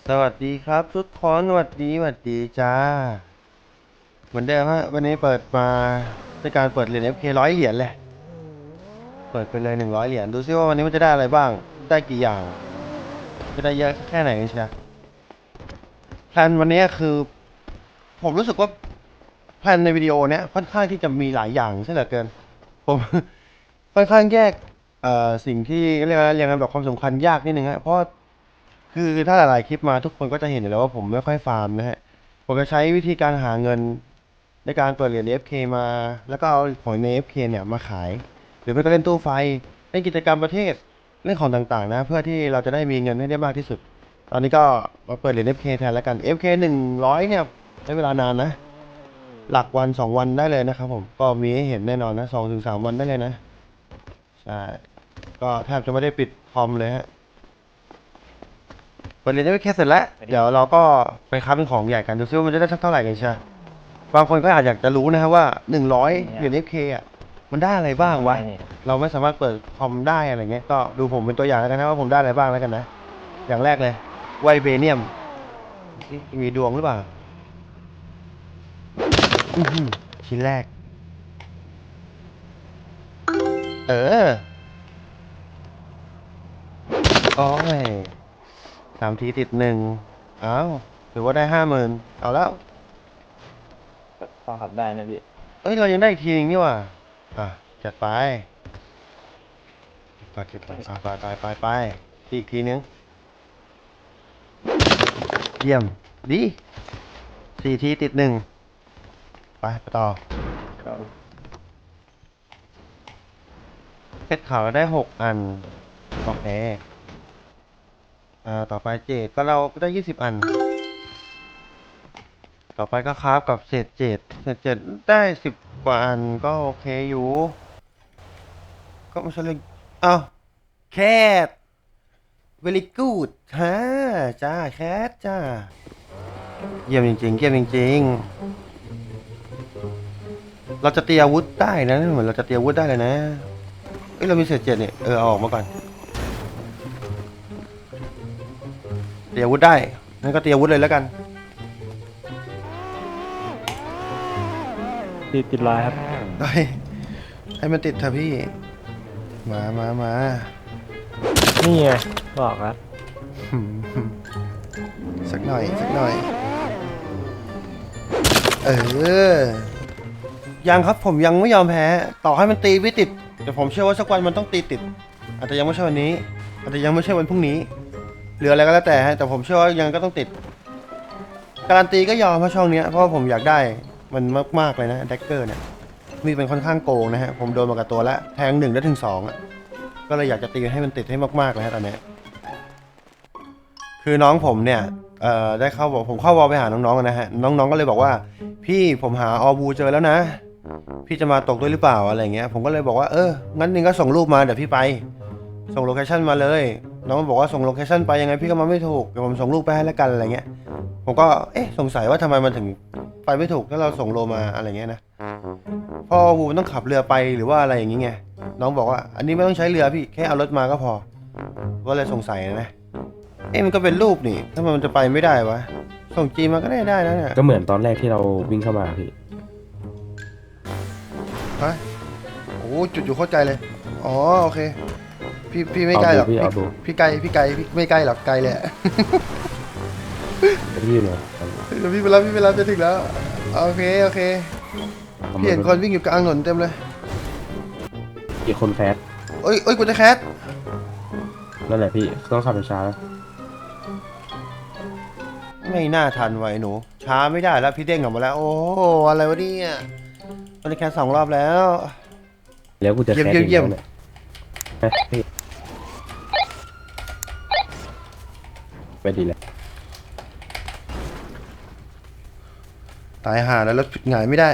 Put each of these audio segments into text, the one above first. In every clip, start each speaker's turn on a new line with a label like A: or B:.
A: สวัสดีครับทุกคนสวัสดีจ้าเหมือนเดิมฮะวันนี้เปิดมาด้วยการเปิดเหรียญ FK 100 เหรียญเลยเปิดไปเลย100 เหรียญดูซิว่าวันนี้มันจะได้อะไรบ้างได้กี่อย่างจะได้เยอะแค่ไหนกันเชียวแพลนวันนี้คือผมรู้สึกว่าแพลนในวิดีโอเนี้ยค่อนข้างที่จะมีหลายอย่างใช่เหลือเกินผมค่อนข้างแยกสิ่งที่เรียกว่าเรียงลำดับความสำคัญยากนิดนึงฮะเพราะคือถ้าหลายๆคลิปมาทุกคนก็จะเห็นอยู่แล้วว่าผมไม่ค่อยฟาร์มนะฮะผมจะใช้วิธีการหาเงิน ในการเปิดเหรียญ FK มาแล้วก็เอาของใน FK เนี่ยมาขายหรือไม่ก็เล่นตู้ไฟเล่นกิจกรรมประเทศเล่นของต่างๆนะเพื่อที่เราจะได้มีเงินให้ได้มากที่สุดตอนนี้ก็มาเปิดเหรียญ FK แทนแล้วกัน FK 100เนี่ยใช้เวลานานนะหลักวัน2 วันได้เลยนะครับผมก็มีให้เห็นแน่นอนนะ2 ถึง 3 วันได้เลยนะใช่ก็แทบจะไม่ได้ปิดคอมเลยฮะเปิดเหรียญ FK เสร็จแล้วเดี๋ยวเราก็ไปค้าเป็นของใหญ่กันดูซิว่ามันจะได้สักเท่าไหร่กันใช่ บางคนก็อาจอยากจะรู้นะครับว่า100เหรียญ FK อ่ะมันได้อะไรบ้างวะเราไม่สามารถเปิดคอมได้อะไรเงี้ยก็ดูผมเป็นตัวอย่างแล้วกันนะว่าผมได้อะไรบ้างแล้วกันนะอย่างแรกเลยไวเบเนียมมีดวงหรือเปล่าอื้อหือชิ้นแรกเออโอ้ย3 ทีติด 1อ้าวถือว่าได้50,000เอาแล้ว
B: พอขับได้นะพี่
A: เอ้ยเรายังได้อีกทีนึงนี่หว่าอ่ะจัดไปเก็บไปไปอีกทีนึงเยี่ยมดี4 ทีติด 1ไปต่อ
B: ครับ
A: เพชรขาวเราได้6 อันโอเคต่อไปเจดก็เราก็ได้20 อันต่อไปก็คราฟกับเศษเจ็ดได้10 กว่า อันก็โอเคอยู่ก็ไม่ใช่เรื่องอ้าวแคท very good ฮะจ้าแคทจ้าเยี่ยมจริงๆเยี่ยมจริงๆเราจะตีอาวุธได้นะเหมือนเราจะตีอาวุธได้เลยนะเอ้ยเรามีเศษ 7เนี่ยเอาออกมาก่อนตีอาวุธได้งั้นก็ตีอาวุธเลยแล้วกัน
B: ติดลายครับ
A: ได้ให้มันติดเถอะพี่มา
B: นี่ไงบอกครับ
A: หืมสักหน่อยเออยังครับผมยังไม่ยอมแพ้ต่อให้มันตีไม่ติดแต่ผมเชื่อว่าสักวันมันต้องตีติดอาจจะยังไม่ใช่วันนี้อาจจะยังไม่ใช่วันพรุ่งนี้หรืออะไรก็แล้วแต่ฮะแต่ผมเชื่อว่ายังก็ต้องติดการันตีก็ยอมเพราะช่องเนี้ยเพราะว่าผมอยากได้มันมากๆเลยนะแดกเกอร์เนี่ยมีเป็นค่อนข้างโกงนะฮะผมโดนมากับตัวแล้วแทง1ได้ถึง2อ่ะก็เลยอยากจะตีให้มันติดให้มากๆเลยฮะตอนนี้คือน้องผมเนี่ยได้เข้าบอกผมเข้าวอลไปหาน้องๆนะฮะน้องๆก็เลยบอกว่าพี่ผมหาออบูเจอแล้วนะพี่จะมาตกด้วยหรือเปล่าอะไรเงี้ยผมก็เลยบอกว่างั้นนึงก็ส่งรูปมาเดี๋ยวพี่ไปส่งโลเคชั่นมาเลยน้องบอกว่าส่งโลเคชั่นไปยังไงพี่ก็มาไม่ถูกเดี๋ยวผมส่งรูปไปให้แล้วกันอะไรเงี้ยผมก็สงสัยว่าทำไมมันถึงไปไม่ถูกถ้าเราส่งโลมาอะไรเงี้ยนะเพราะออบูมันต้องขับเรือไปหรือว่าอะไรอย่างเงี้ยน้องบอกว่าอันนี้ไม่ต้องใช้เรือพี่แค่เอารถมาก็พอก็เลยสงสัยนะมันก็เป็นรูปนี่ถ้ามันจะไปไม่ได้วะส่งจีมาก็ได้นะเนี่ย
C: ก็เหมือนตอนแรกที่เราวิ่งเข้ามาพี่
A: ฮะโอ้จุดอยู่เข้าใจเลยอ๋อโอเคพี่ไม่ไกลหรอก
C: เอาดู
A: พี่ไกลพี่ไม่ไกลหรอกไกลเลย
C: พี่อยู่เลย
A: เดี๋ยวพี่ไปรับจะถึงแล้วโอเคพี่เห็นคนวิ่งอยู่กลางถนนเต็มเลย
C: อีกคนแฟส
A: เอ้ยกูจะแคส
C: นั่นแหละพี่ต้องขับช้า
A: ไม่น่าทันไว้หนูช้าไม่ได้แล้วพี่เด้งออกมาแล้วโอ้อะไรวะเนี่ยตอนนี้แคส2 รอบแล้ว
C: แล้วกูจะแคส
A: เยี่ยม
C: เนี่ยพี่ไปดีแล้ว
A: ตายห่าแล้วรถหงายไม่ได้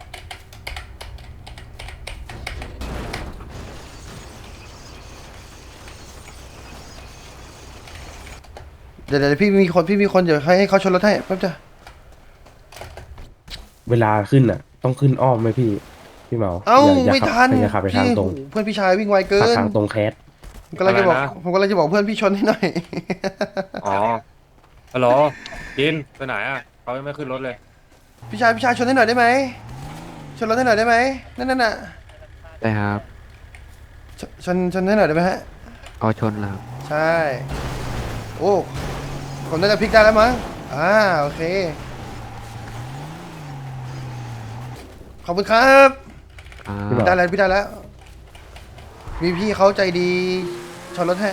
A: เดี๋ยวพี่มีคนเดี๋ยวให้เขาชนรถให้แป๊บจ้ะ
C: เวลาขึ้นอ่ะต้องขึ้นอ้อมไหมพี่เมา
A: เอ้า
C: อย่า
A: ไม่
C: ขับ
A: ทัน
C: อย่าขับไปทางตรง
A: เพื่อนพี่ชายวิ่งไวเกิ
C: ขับ
A: น
C: ทางตรงแคส
A: ผมกำลังจะบอกเพื่อนพี่ชนให้หน่อย
B: อ๋อ
D: ฮัลโหลกินไปไหนอ่ะเขายังไม่ขึ้นรถเลย
A: พี่ชายชนให้หน่อยได้ไหมชนรถให้หน่อยได้ไหมนั่นน่ะ
E: ได้ครับ
A: ชนให้หน่อยได้ไหมฮะ
E: เอาชนแล้ว
A: ใช่ โอ้ผมน่าจะพลิกได้แล้วมั้งโอเค ขอบคุณครับ
C: พี่บ่าว
A: ได้แล้วพี่ได้แล้ว มีพี่เขาใจดีชนรถให้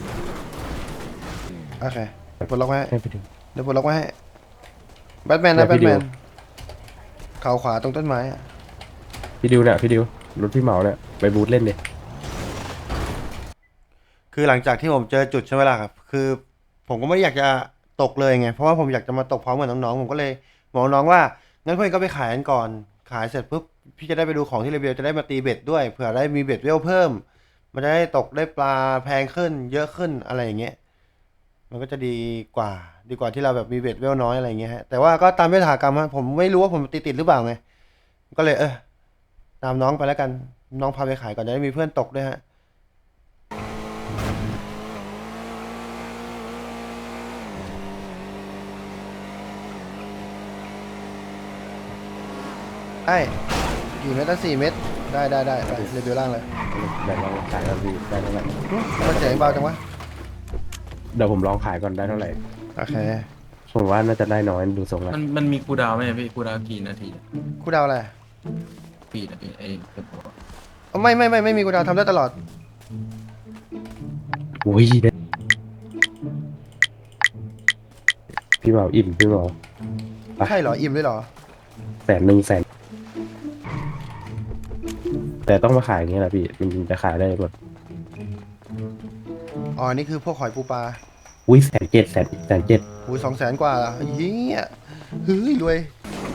A: โอเคเดี๋ยวปลดล็อกไว้ให้
C: ให้พี่ดิว
A: เดี๋ยวปลดล็อกไว้ให้แบทแมนนะ
C: เดี๋
A: แบ
C: ยว
A: ท
C: พี่
A: แม
C: ดิ
A: น
C: ว
A: เข่าขวาตรงต้นไม้อะ
C: พี่ดิวเนี่ยพี่ดิวรถพี่เหมาเนี่ยไปบูธเล่นดิ
A: คือหลังจากที่ผมเจอจุดใช่ไหมล่ะครับ คือผมก็ไม่ได้อยากจะตกเลยไง เพราะว่าผมอยากจะมาตกพร้อมกับน้องๆ ผมก็เลยบอกน้องว่า งั้นเพื่อนก็ไปขายกันก่อน ขายเสร็จปุ๊บ พี่จะได้ไปดูของที่เรเบลจะได้มาตีเบ็ดด้วย เผื่อได้มีเบ็ดเวลเพิ่ม มันจะได้ตกได้ปลาแพงขึ้น เยอะขึ้นอะไรอย่างเงี้ย มันก็จะดีกว่าที่เราแบบมีเบ็ดเวลน้อยอะไรอย่างเงี้ยฮะ แต่ว่าก็ตามยถากรรมฮะผมไม่รู้ว่าผมติดหรือเปล่าไง ก็เลยตามน้องไปแล้วกัน น้องพาไปขายก่อนจะได้มีเพื่อนตกด้วยฮะ ได้อยู่เมตรละ4 เมตร ได้ไปเรเบลล่างเลย
C: เดี๋ยวลองขายกันพี่ได้เท่าไหร่
A: มันเสียงเบาจังวะ
C: เดี๋ยวผมลองขายก่อนได้เท่าไหร่
A: โอเค
C: ผมว่าน่าจะได้น้อยดูทรงแล้ว
F: มันมีคูลดาวน์ไหมพี่คูลดาวน์กี่นาที
A: กูดาวอะไร
F: พี่นะพี่ไอ้เดี๋ยวผม
A: ไม่มีกูดาวทำได้ตลอด
C: อุ้ยได้พี่เหมาอิ่มพี่เหมา
A: ใช่เหรอ อิ่มด้วยเหรอ
C: 100,000แต่ต้องมาขายอย่างเงี้ยแหละพี่มันจะขายได้แบบ
A: อ๋อ นี่คือพวกหอยปูปลา
C: อุ้ย170,000
A: หู200,000 กว่าเหรอเฮียเฮ้ยรวย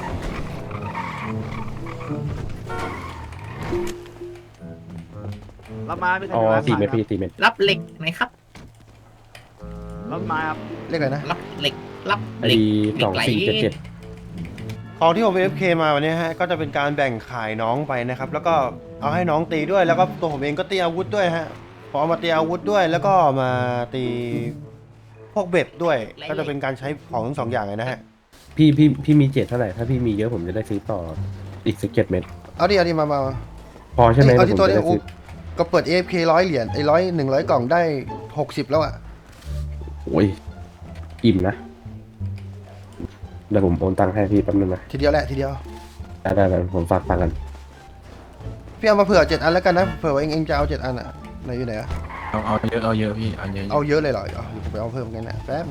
B: รับมาพี่
C: อ๋อ4 เมตรพี่4 เมตร
G: รับเหล็กหน่อยครับ
B: รับมาครับ
A: เรียกอะไรนะ
G: รับเหล็ก รับ
C: ไอ้
G: เหล็ก เหล็กไหล
C: 2477
A: ของที่ผม AFK มาวันนี้ฮะ ก็จะเป็นการแบ่งขายน้องไปนะครับ แล้วก็เอาให้น้องตีด้วย แล้วก็ตัวผมเองก็ตีอาวุธด้วยฮะ พอเอามาตีอาวุธด้วย แล้วก็มาตีพวกเบ็ดด้วย ก็จะเป็นการใช้ของทั้งสองอย่างเลยนะฮะ
C: พี่มี7เท่าไหร่ถ้าพี่มีเยอะผมจะได้ซื้อต่ออีกสัก7 เม็ด
A: เอาดิมา
C: พอใช่ไหม
A: เอา
C: ผ
A: ที่
C: ม
A: ตัว
C: จะ
A: นี้
C: ได้
A: อุ๊
C: ซื้อ
A: ก็เปิด AFK 100 เหรียญไอ้100 กล่องได้60แล้วอะ
C: โอ้ยอิ่มนะเดี๋ยวผมโอนตังค์ให้พี่แป๊บนึงนะ
A: ทีเดียวแหละทีเดียว
C: ได้ผมฝากตังค์กัน
A: พี่เอามาเผื่อ7 อันแล้วกันนะ เผื่อว่าเองจะเอา7 อันอะไหนอยู่ไหนอะ
F: เอาเยอะพี่เอาเยอะ
A: เอาเยอะเลยเหรอเอาผมไปเอาเพิ่มกันนะแป๊บ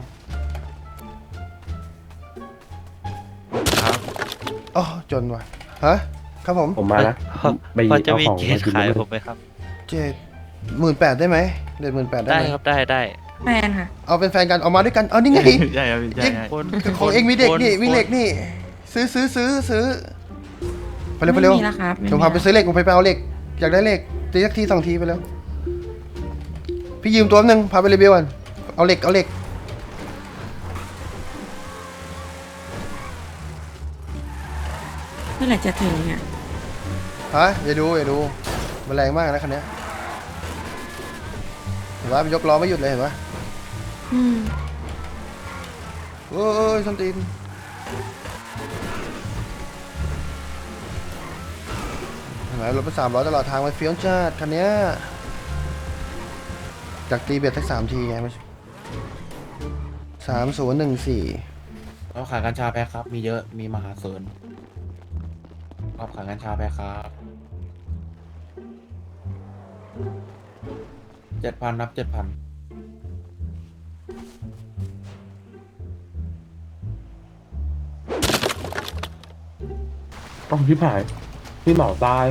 E: ครับ
A: อ๋อจนว่ะฮะครับผม
C: ผมมานะไป
E: พอจะ
C: เอา
E: มี
C: ของ
E: เก
C: มา
E: ส
C: กิน
E: ขาย
C: ด้วย
E: ผมไหมครับ
A: 18,000ได้ไหมเดือน18,000ได้
E: ได้
A: ไหม
E: ครับได้
H: แฟนค่ะ
A: เอาเป็นแฟนกันเอามาด้วยกันเอานี่ไง
F: ใช่ครับพี่ใช่
E: คน
A: ของเองมีเด็กนี่
E: คน
A: มีเหล็กนี่ ซื้อไปเร็วไปเร็ว
H: ไม่มีแล้วครับ
A: ผมพาไปซื้อเหล็กผมไปเอาเหล็กอยากได้เหล็กตีสักที2 ทีไปแล้วพี่ยืมตัวนึงพาไปรีวิวก่อนเอาเหล็ก
H: เมื่อไหร่จะถึงอ่ะ
A: ฮะอย่าดูมันแรงมากนะคันเนี้ยเห็นว่ามันยกล้อไม่หยุดเลยเห็นปะ
H: อืม
A: โอ้ยส้นตีนเห็นไหมรถไป300ตลอดทางมันเฟี้ยวจัดคันเนี้ยจากตีเบียดสัก3 ทีไงไม่ใช่3014
I: เราขายกัญชาแพ็คครับ มีเยอะ มีมหาศาลเราขายกัญชาแพ็คครับ7,000นับ7,000
C: ต้องพี่ผายพี่เหมาตาย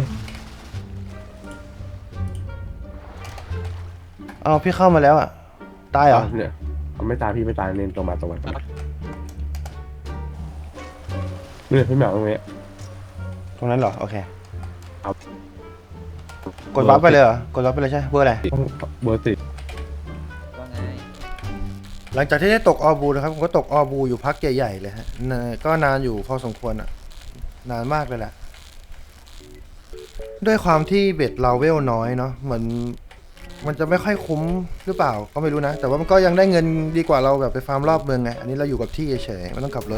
A: เอาพี่เข้ามาแล้วอ่ะ ตายเหรอ
C: เนี่ยเอาไม่ตายพี่ไม่ตายเน้นตรงมาเนี่ยพี่เหมาตรงนี้
A: ตรงนั้นเหรอ โอเค
C: ครับ
A: กดวับไปเลยเหรอ กดวับไปเลยใช่เบอร์อะไร
C: ต้องเบอร์ติด
E: ว่าไง
A: หลังจากที่ได้ตกออบูนะครับ ผมก็ตกออบูอยู่พักใหญ่ๆเลยฮะก็นานอยู่พอสมควรอ่ะ นานมากเลยแหละ ด้วยความที่เบ็ดเราเวลน้อยเนาะเหมือนมันจะไม่ค่อยคุ้มหรือเปล่าก็ไม่รู้นะ แต่ว่ามันก็ยังได้เงินดีกว่าเราแบบไปฟาร์มรอบเมืองไงอันนี้เราอยู่กับที่เฉยๆไม่ต้องขับรถ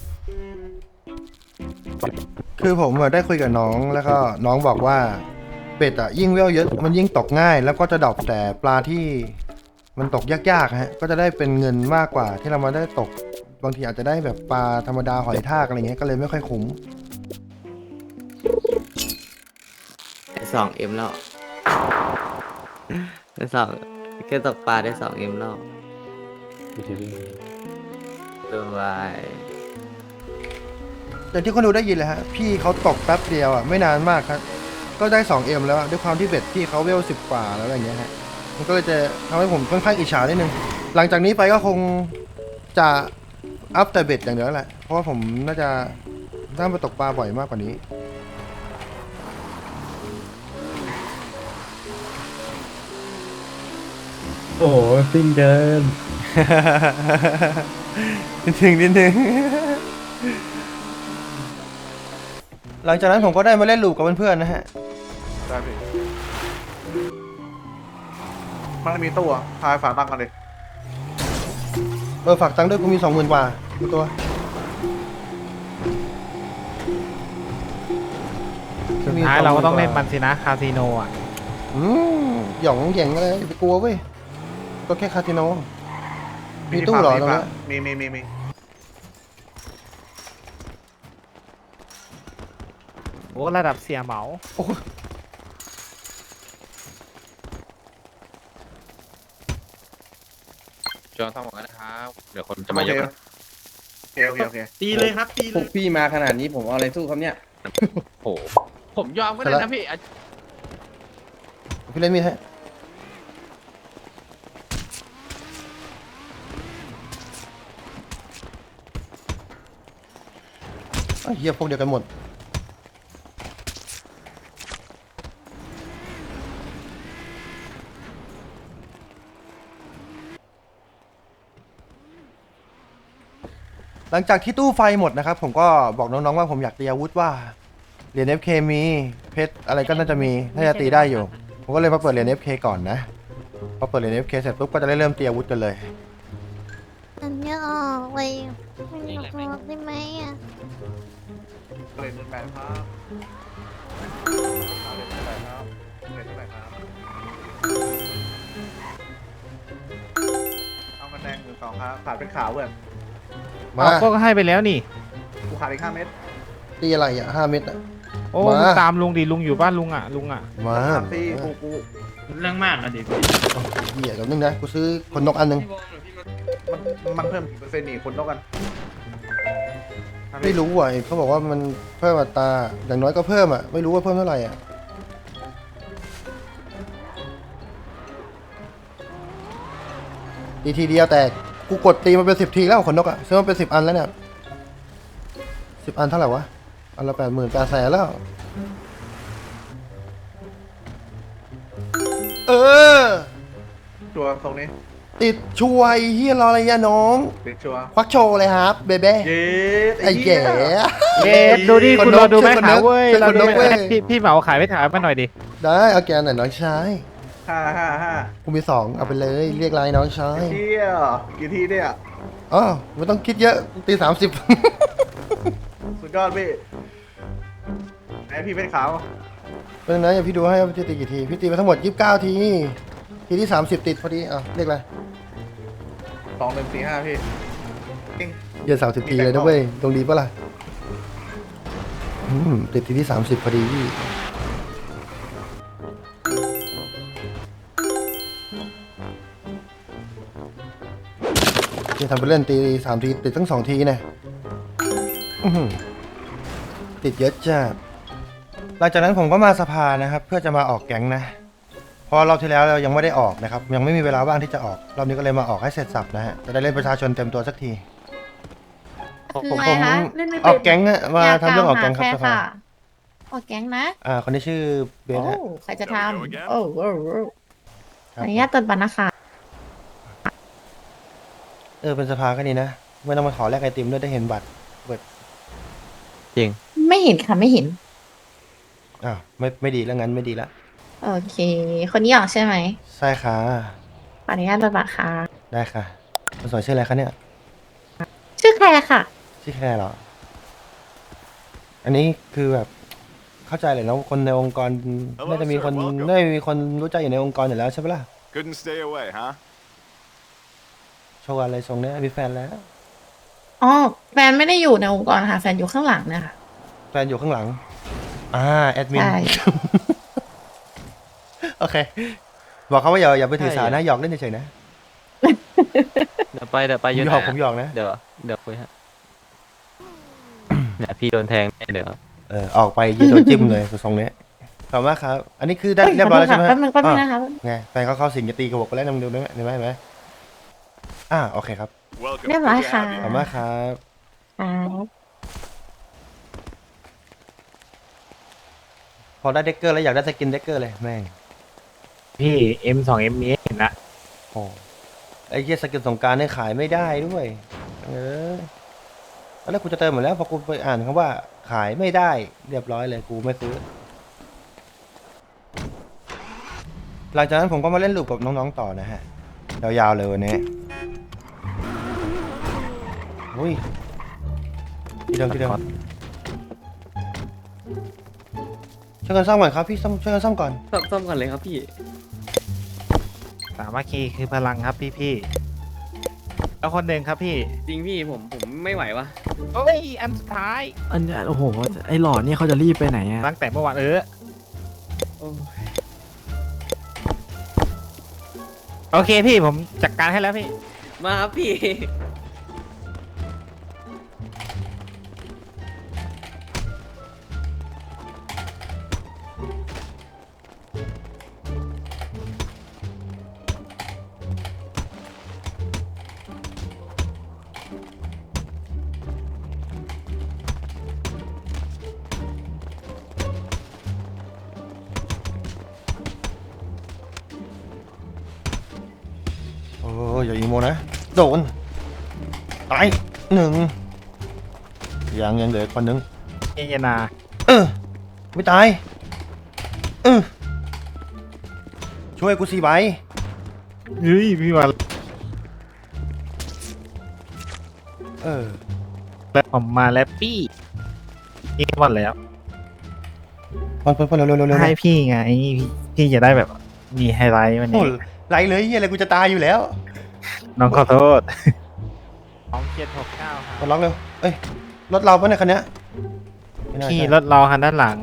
A: คือผมอะได้คุยกับน้องแล้วก็น้องบอกว่าเป็ดอะยิ่งเวลเยอะมันยิ่งตกง่าย แล้วก็จะดรอปแต่ปลาที่มันตกยากๆฮะก็จะได้เป็นเงินมากกว่าที่เรามาได้ตกบางทีอาจจะได้แบบปลาธรรมดาหอยทากอะไรเงี้ยก็เลยไม่ค่อยคุ้ม
G: ได้2M แล้วได้สองแค่ตกปลาได้ 2M แล้ว
C: ไม่ใช่พี่
G: ตัววาย
A: อย่างที่คนดูได้ยินเลยฮะพี่เขาตกแป๊บเดียวอ่ะไม่นานมากครับก็ได้ 2M แล้วอะด้วยความที่เบ็ดพี่เขาเวล10 กว่าแล้วอย่างเงี้ยฮะมันก็เลยจะทำให้ผมค่อนข้างอิจฉานิดนึงหลังจากนี้ไปก็คงจะอัพแต่เบ็ดอย่างเดียวแหละเพราะว่าผมน่าจะน่าไปตกปลาบ่อยมากกว่านี้
C: โอ้โหซิ่งเกิน
A: นิดนึงหลังจากนั้นผมก็ได้มาเล่นลูกกับเพื่อนๆนะฮะ
B: ได้พี่มันมีตู้อะพายฝากตังค์กันเลย
A: ฝากตังค์ด้วยกูมี 20,000 กว่าตัว
J: สุดท้ายเราก็ต้องเล่นมันสินะคาสิโนอ่ะ
A: หย่องแหย่งอะไรอย่าไปกลัวเว้ยก็แค่คาสิโนมีตู้เหรอตรงนี้
B: มี
J: โอ้ระดับเสียเหมา
E: จอห์นทำหมดแล้วนะครับ เดี๋ยวคนจะ
B: โอ
E: มา
B: เค
E: เยอะ
B: โอเค
F: ตีเลยครับตีเล
C: พวย กพี่มาขนาดนี้ผมเอาอะไรสู้ครับเนี่ย
E: โอ้โหผมยอมก็ได้นะพี่
A: พี่เล่นมีดให้ไอ้เหี้ยพวกเดียวกันหมดหลังจากที่ตู้ไฟหมดนะครับผมก็บอกน้องๆว่าผมอยากตีอาวุธว่าเหรียญ FK มีเพชรอะไรก็น่าจะมีน่าจะตีได้อยู่ผมก็เลยมาเปิดเหรียญ FK ก่อนนะพอเปิดเหรียญ FK เสร็จปุ๊บก็จะได้เริ่มตีอาวุธกันเลย
H: อันนี้ออกเลยไม่ออกได้ไหมอ่ะ
B: เล่นแปดครับเล่นเท่าไหร่ครับเล่นเท่าไหร่ครับเอากระแดง1 2ครับขาดเป็นขาวเว้ย
A: มา
J: ก็ให้ไปแล้วนี่
B: กูขาดอีก5 เม็ด
A: ตีอะไรอ่ะ5 เม็ดอ่ะ
J: โอ้
A: มา
J: มึงตามลุงดิลุงอยู่บ้านลุงอ่ะลุงอ่ะ
A: มา
B: ตีกู
F: เรื่องมากอะดิพี่
A: เหี้ยเดี๋ยวนึงนะกูซื้อคนนกอันนึง
B: มันเพิ่มกี่เปอร์เซ็นต์นี่คนต้องกัน
A: ไม่รู้ว่ะเขาบอกว่ามันเพิ่มอัตราอย่างน้อยก็เพิ่มอ่ะไม่รู้ว่าเพิ่มเท่าไหร่อ่ะตีทีเดียวแต่กูกดตีมาเป็น10 ทีแล้วขนนกอ่ะซื้อมาเป็น10 อันแล้วเนี่ย10 อันเท่าไหร่วะอันละ80,000 แล้ว
B: ตัวตรงนี้
A: ติดช่วยเฮียรออะไรยะน้อง
B: ติดชัวร์
A: ควักโชว์เลยครับเบเบ้
B: เย้
A: ไอ้แก่
J: เอ๊ะดูดิ
A: คน
J: คุณ
A: นก
J: รอดูไหม
A: คนนก
J: ขายเว้ย
A: เป็น
J: เรา
A: คน
J: ดู
A: นก
J: ไหม
A: เว้ย
J: พี่เหมาขายไปถ่ายมาหน่อยดิ
A: ได้เอาแกหน่อยน้องชาย
B: 5
A: กูมี2เอาไปเลยเรียกไลน์น้องชาย
B: เที่ยวกี่ทีเนี่ย
A: อ๋อไม่ต้องคิดเยอะตี30
B: สุดยอดพี่ไหนพี่เป็นขาว
A: เป็นนะอย่าพี่ดูให้ว่าพี่ตีกี่ทีพี่ตีไปทั้งหมด29 ทีทีที่30ติดพอดีอ่ะเรียกอะไร
B: 2 1 4 5พี่
A: เย็น30 ทีเลยนะเว้ยตรงดีปะล่ะติดทีที่30พอดีพี่จะทำไปเล่นตี3 ทีติดทั้ง2 ทีเนี่ยติดเยอะจ้าหลังจากนั้นผมก็มาสภานะครับเพื่อจะมาออกแก๊งนะเพราะรอบที่แล้วเรายังไม่ได้ออกนะครับยังไม่มีเวลาว่างที่จะออกรอบนี้ก็เลยมาออกให้เสร็จสับนะฮะจะได้เล่นประชาชนเต็มตัวสักทีผมออกแก๊งอะมาทำเรื่องออกแก๊งครับสภา
H: ออกแก๊งนะ
A: คนที่ชื่อเบส
H: โอ้
A: ฮะ
H: ใครจะทำโอ้ขอ
A: ครั
H: อบ นุญาตตรวจบัตรนะคะ
A: เป็นสภาก็ดีนะไม่ต้องมาขอแลกไอติมด้วยได้เห็นบัตร
H: ไม่เห็นค่ะไม่เห็น
A: ไม่ดีแล้วงั้นไม่ดีละ
H: โอเค คนนี้ออกใช่ไหม
A: ใช่ค่ะ
H: ขออนุญาตบัตรค่ะ
A: ได้ค่ะคนสวยชื่ออะไรคะเนี่ย
H: ชื่อแคร์ค่ะ
A: ชื่อแคร์เหรอ อันนี้คือแบบเข้าใจเลยนะคนในองค์กรน่าจะมีคนน่าจะมีคนรู้ใจอยู่ในองค์กรอยู่แล้วใช่ปะล่ะ
K: Couldn't stay away, huh?
A: โชว์อะไรทรงเนี้ยมีแฟนแล้ว
H: อ๋อ แฟนไม่ได้อยู่ในองค์กรค่ะ แฟนอยู่ข้างหลังนะคะ
A: แฟนอยู่ข้างหลัง แอดมิน
H: ใช่
A: โอเค บอกเขาว่าอย่าไปถือสานะหยอกเล่นเฉยๆนะ
G: เดี๋ยวไป
A: ผมหยอกผมหยอกนะ
G: เดี๋ยวคุยฮะ เนี่ยพี่โดนแทงเดี๋ยว
A: ออกไปยีโดนจิ้มเลยทรงเนี้ยขอบคุณมากครับ อันนี้คือได้เรียบร้อยแล้วใช่ไหม
H: แป๊บนึงนะคะ
A: ไงแฟนเขาเข้าสิงจะตีกระบอกไปแล้วนำดูได้ไหมเห็นไหมโอเคครับ
K: Welcome.
H: เรียบร้อยค่ะ
A: ขอบคุณมากครับ
H: ครับ
A: พอได้เด็กเกอร์แล้วอยากได้สกินเด็กเกอร์เลยแม่ง
J: พี่ M2M มีให้เห็นละ
A: โอ้ไอ้เหี้ยสกินสงกรารเนี่ยขายไม่ได้ด้วยตอนแรกกูจะเติมหมดแล้วพอกูไปอ่านคำว่าขายไม่ได้เรียบร้อยเลยกูไม่ซื้อ หลังจากนั้นผมก็มาเล่นลูกกับน้องๆต่อนะฮะยาวๆเลยวันนี้อุ้ยที่เดิมช่วยกันซ่อมก่อนครับพี่ช่วยกันซ่อมก่อน
G: ซ่อมก่อนเลยครับพี่
J: สามัคคีคือพลังครับพี่ๆแล้วคนหนึ่งครับพี่
G: จริงพี่ผมไม่ไหววะ
J: โอ้ย อันสุดท้าย
F: อันเนี้ยโอ้โห ไอ้หล่อเนี่ยเขาจะรีบไปไหนอะ
J: ตั้งแต่เมื่อวานโอเคพี่ผมจัดการให้แล้วพี่
G: มาครับพี่
A: โอ้ยอย่าอีโมนะโดนตายหนึ่งยังเหลือคนนึง
J: เยนา
A: ไม่ตายช่วยกู4 ใบ
J: เฮ้ยพี่มา แล้วผมมาแล้วพี่นี่วันแล้ว
A: ปอนเร็ว
J: ให้พี่ไงพี่จะได้แบบมีไฮไลท์วัน
A: โอ้
J: นี้
A: ไรเลยเฮียอะไรกูจะตายอยู่แล้ว
J: น้องขอโทษ2769ครับ
A: กดล็อกเร็วเอ้ยรถเราปะเนี่ยคันเนี้ยไม่น่า
J: พี่
A: ใช่
J: รถเราคันด้านหลัง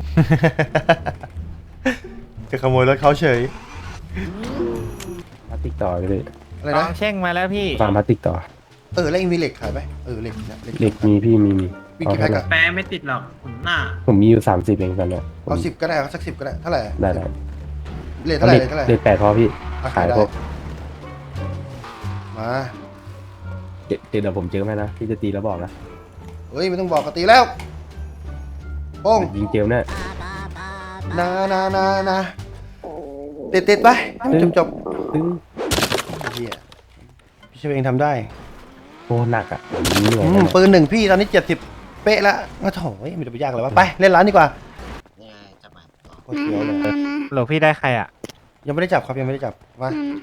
A: จะขโมยรถเขาเฉย
C: พลาสติกต่อเลย
A: อะไร
J: ล
A: นะ
J: องเช่งมาแล้วพี่
C: ฟาร์มพลาสติกต่อ
A: แล้วเองมีเหล็กขายไหมเหล็กนะ
C: เหล็กมีพี่มี
A: วิ่งกี่แพ็คอะ
F: แปลไม่ติดหรอกผมหน้า
C: ผมมีอยู่30เองตอนเนี้ยผม
A: เอา10ก็ได้เอาสัก10ก็ได้เท่าไหร่
C: ได้
A: เหล็กเท่าไหร่เหล็กเท่าไหร่
C: เหล็ก8พอพี่
A: อ่ะ
C: ขาย
A: ได้
C: พวก
A: มา
C: เดี๋ยวผมเจอไหมนะพี่จะตีแล้วบอกนะ
A: เฮ้ยไม่ต้องบอกกตีแล้วโป้ง
C: ยิงเจลเนี่ย
A: นาติดไปจบ
C: ตึ้ง
A: เฮียพี่เชฟเองทำได้
C: โอ้หนักอ่ะผมเหนื่อยนะ
A: ปืน1พี่ตอนนี้70เป๊ะแล้วก็โถไม่จะไปยากเลยวะไปเล่นร้านดีกว่าโคตรเสียวเลย
J: หลวงพี่ได้ใครอ่ะ
A: ยังไม่ได้จับครับยังไม่ได้จับว่า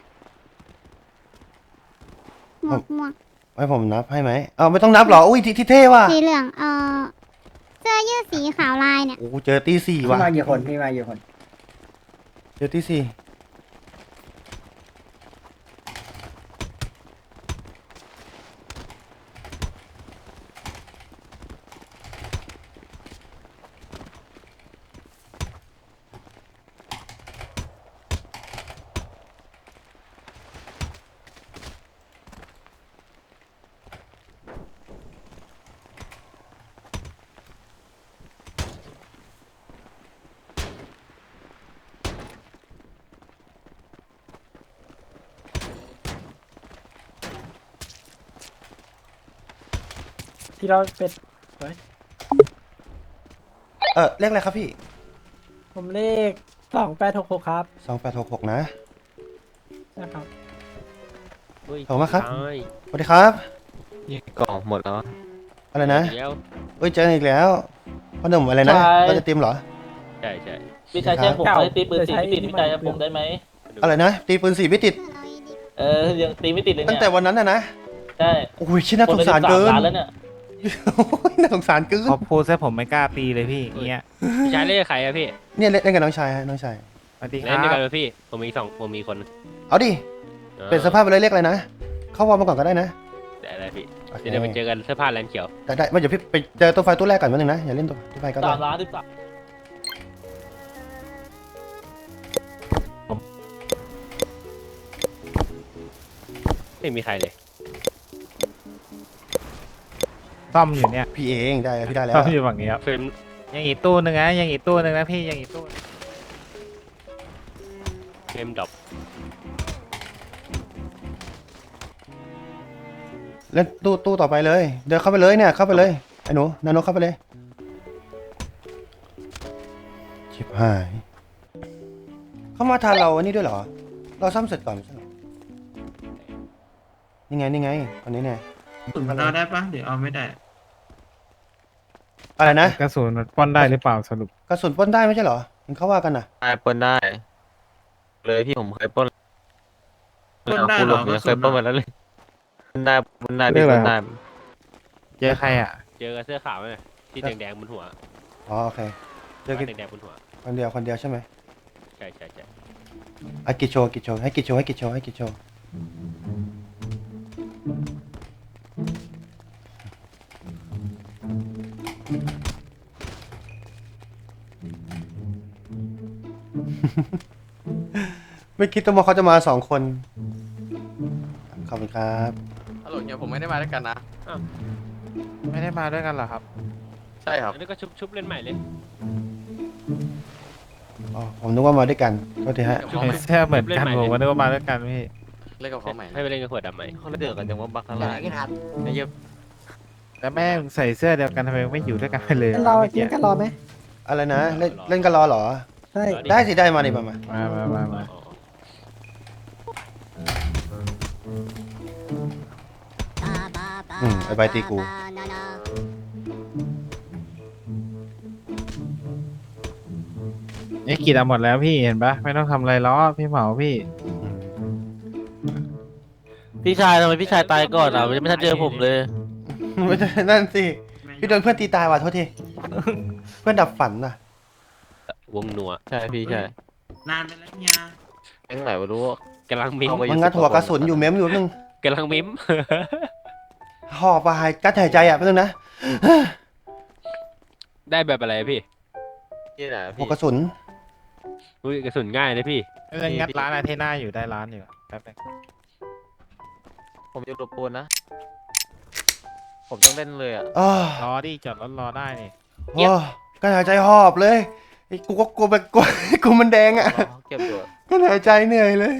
H: หมวก
A: ให้ผมนับให้ไหมไม่ต้องนับหรออุ้ยที่เท่ว่ะ
H: สีเหลืองเสื้อยืดสีขาวลายเนี่ย
A: โอ้เจอตี 4ว่ะ
G: มากี่คนพี่มากี่คน
A: เจอตี 4
F: ที่เราเป็ด
A: เลขอะไรครับพี่
F: ผมเลข2866ครับ
A: 2866นะ
F: นะครับ
A: ขอบคุณมากครับสวัสดีครับ
G: กล่องหมดแล้ว
A: อะไรนะเฮ้ยเจออีกแล้วพ่อหนุ่มอะไรนะเราจะเตรียมเหรอ
G: ใช่
A: พี่ชายแจ้งผมให้ตีปืน4ไม่ติดพี่ชายผมได้ไหมอะไรนะตีปืน4ไม่ติด
G: ยังตีไม่ติดเลย
A: ตั้
G: เนี่
A: ง
G: ย
A: แต่วันนั้นนะใช่โอ้ยชิ้นน่าสงสารเกินโอ้ยน่าสงสารเกิน
J: พอพูดซะผมไม่กล้าตีเลยพี่เงี้ย
G: พี่ชายเล่นกับใครอะพี่
A: เนี่ยเล่นกับน้องชายฮะน้องชาย
J: สวัสดีค
G: เล่น
J: รั
G: ด้วย
J: บ
G: กันเลยพี่ผมมีผมมีคน
A: เอาดิเป็นสภาพไปเลยเรียกอะไรนะเข้าวอร์มมาก่อนก็ได้นะ
G: แต่อะไรพี่
A: โอเค
G: เดี๋ยวไปเจอกันเสื้อผ้าแลนเขียว
A: ได้ไม่เดี๋ยวพี่ไปเจอตัวไฟตัวแรกก่อนนิดนึงนะอย่าเล่นตัวไฟก็ได้
G: ไม่มีใครเลย
J: ซ่อมอยู่เนี่ย
A: พี่เองได้พี่ได้แล้ว
J: ซ่อมอยู่ฝั่งนี้ครับ
G: เฟรม
J: ยังอีกตู้หนึ่งนะยังอีกตู้หนึ่งนะพี่ยังอีกตู้
G: เฟรมดรอป
A: เล่นตู้ต่อไปเลยเดินเข้าไปเลยเนี่ยเข้าไปเลยไอ้หนูนาโนเข้าไปเลยชิบหายเขามาทานเราอันนี้ด้วยเหรอเราซ่อมเสร็จก่อนไม่ใช่เหรอนี่ไงคนนี้เนี่ย
F: สุดมันเอาได้ปะเดี๋ยวเอาไม่ได้
A: อะไรนะ
J: กระสุนมันป้อนได้หรือเปล่าสรุป
A: กระสุนปล้นได้ไม่ใช่เหรอเห็นเขาว่ากันน่ะ
G: ได้ปล้นได้ เลยพี่ผมเคยปล้น
F: ปล้นได้เหรอ
G: เคยปล้นมาแล้วเลยปล้นได้ปล้นได้
J: เรื่องอะไร
G: ปล้นได้
J: เจอใครอ่ะ
G: เจอเสื้อขาวไหมที่แดงๆบนหัว
A: อ๋อโอเคเจอกัน
G: แดงๆบนหัว
A: คนเดียวใช่ไหม
G: ใช่ใช่
A: อ่ะกิจโชว์ให้กิจโชว์ ไม่คิดว่าเขาจะมา2 คนขอบคุณครับ
E: ฮัลโหลเนี่ยผมไม่ได้มาด้วยกันนะ
J: ไม่ได้มาด้วยกันเหรอครับ
E: ใช่ครับ
G: แล้วก็ชุบเล่นใหม่เลย
A: อ๋อผมนึกว่ามาด้วยกันก็ทีฮะ
J: เห็นเสื้อเหมือนกันผมก็นึกว่ามาด้วยกันพี่
E: เล่นกับเขาใหม่
G: ให้ไปเล่นกับขวดดำใหม่เขาเดือดกันจังว่าบักอะไรไอ้เยอะ
J: แล้วแม่งใส่เสื้อเดียวกันทำไมไม่อยู่ด้วยกันไปเลย
F: รอ
J: เมื่อ
F: กิ
J: กี้
F: นกันรอไหม
A: อะไรนะเล่นกันรอเหรอ
F: ใช่
A: ได้สิได้มาดิมา
J: มา
A: ไอ้ใบตีกู
J: ไอ้กิจเอาหมดแล้วพี่เห็นปะไม่ต้องทำอะไรล้อพี่เหมาพี่
G: พี่ชายทำไมพี่ชายตายก่อนอ่ะไม่ทันเจอผมเลย
A: ไม่ใช่นั่นสิพี่โดนเพื่อนตีตายว่ะโทษทีเพื่อนดับฝันน่ะ
G: วงนัวใช่พี่ใช่
F: นานไปแล้วเนี่ย
G: แก๊งไหนไม่รู้กำลังมิ้ม
A: มันงัดหัวกระสุนอยู่เม้มอยู่นึง
G: กำลังมิ้ม
A: หอบไปกัดหายใจอ่ะเพื่อนนะ
G: ได้แบบอะไรพี่นี่ไหน
A: หัวกระสุน
G: อุ้ยกระสุนง่ายนะพี่
J: เรื่องงัดร้านอาเทน่าอยู่ได้ร้านอยู่แป๊บนึง
G: ผมจะรบกวนนะ ผมต้องเล่นเลยอ่ะ
A: อ๋อ
J: รอดิจอดรถรอได้นี่
A: โอ้กัดหายใจหอบเลยไอ้กูก็กลัวแบบกูมันแดงอ่ะ
G: เก็บตัว
A: กัดหายใจเหนื่อยเลย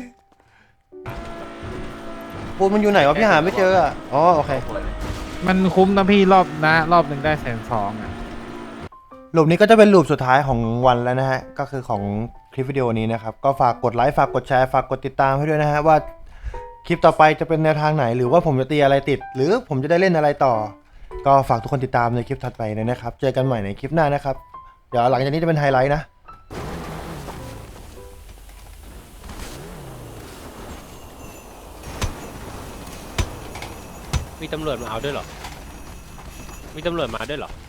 A: ปูนมันอยู่ไหนวะพี่หาไม่เจออ่ะอ๋อโอเค
J: มันคุ้มนะพี่รอบหนึ่งได้120,000อ่ะ
A: รูปนี้ก็จะเป็นรูปสุดท้ายของวันแล้วนะฮะก็คือของคลิปวิดีโอนี้นะครับก็ฝากกดไลค์ฝากกดแชร์ฝากกดติดตามให้ด้วยนะฮะว่าคลิปต่อไปจะเป็นแนวทางไหนหรือว่าผมจะตีอะไรติด หรือผมจะได้เล่นอะไรต่อ ก็ฝากทุกคนติดตามในคลิปถัดไปเลยนะครับเจอกันใหม่ในคลิปหน้านะครับเดี๋ยวหลังจากนี้จะเป็นไฮไลท์นะ
G: มีตำรวจมาเอาด้วยเหรอ มีตำรวจมาด้วยเหรอ